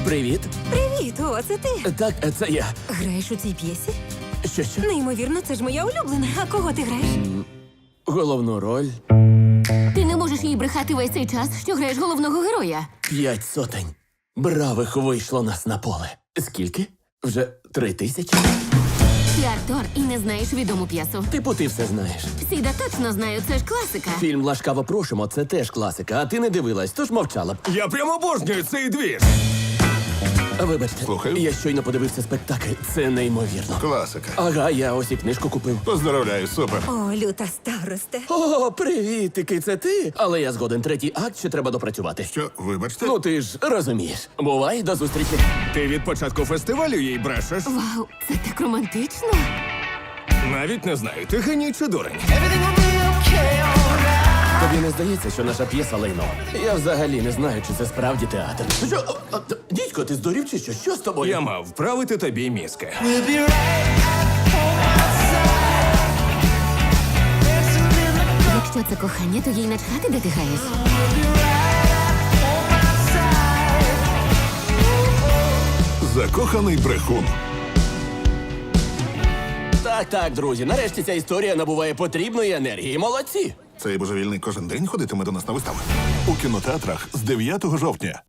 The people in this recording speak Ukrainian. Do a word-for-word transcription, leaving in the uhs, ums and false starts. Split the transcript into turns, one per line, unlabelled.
Привіт.
Привіт, о, це ти.
Так, це я.
Граєш у цій п'єсі?
Що що?
Неймовірно, це ж моя улюблена. А кого ти граєш?
Головну роль
Ти не можеш їй брехати весь цей час, що граєш головного героя.
п'ять сотень. Бравих вийшло нас на поле. Скільки? Вже три тисячі?
Ти актор і не знаєш відому п'єсу.
Типу, ти все знаєш.
Всі да точно знають, це ж класика.
Фільм «Ласкаво просимо» – це теж класика, а ти не дивилась, тож мовчала б.
Я прямо обожнюю цей двір.
Вибачте,
Слухаю.
я щойно подивився спектакль. Це неймовірно.
Класика.
Ага, я ось і книжку купив.
Поздравляю, супер.
О, люта старосте.
О, привітики, це ти? Але я згоден, третій акт ще треба допрацювати.
Що, вибачте?
Ну ти ж розумієш. Бувай, до зустрічі.
Ти від початку фестивалю їй брешеш.
Вау, це так романтично.
Навіть не знаю, ти геній чи дурень.
Тобі не здається, що наша п'єса лайно? Я взагалі не знаю, чи це справді театр. Що? О, о, д- Дідько, ти здурів чи що? Що з тобою?
Я мав вправити тобі мізки.
Якщо це кохання, то їй начхати, де ти граєш.
Закоханий брехун.
Так, так, друзі, нарешті ця історія набуває потрібної енергії. Молодці!
Цей божевільний кожен день ходитиме до нас на вистави. У кінотеатрах з дев'ятого жовтня.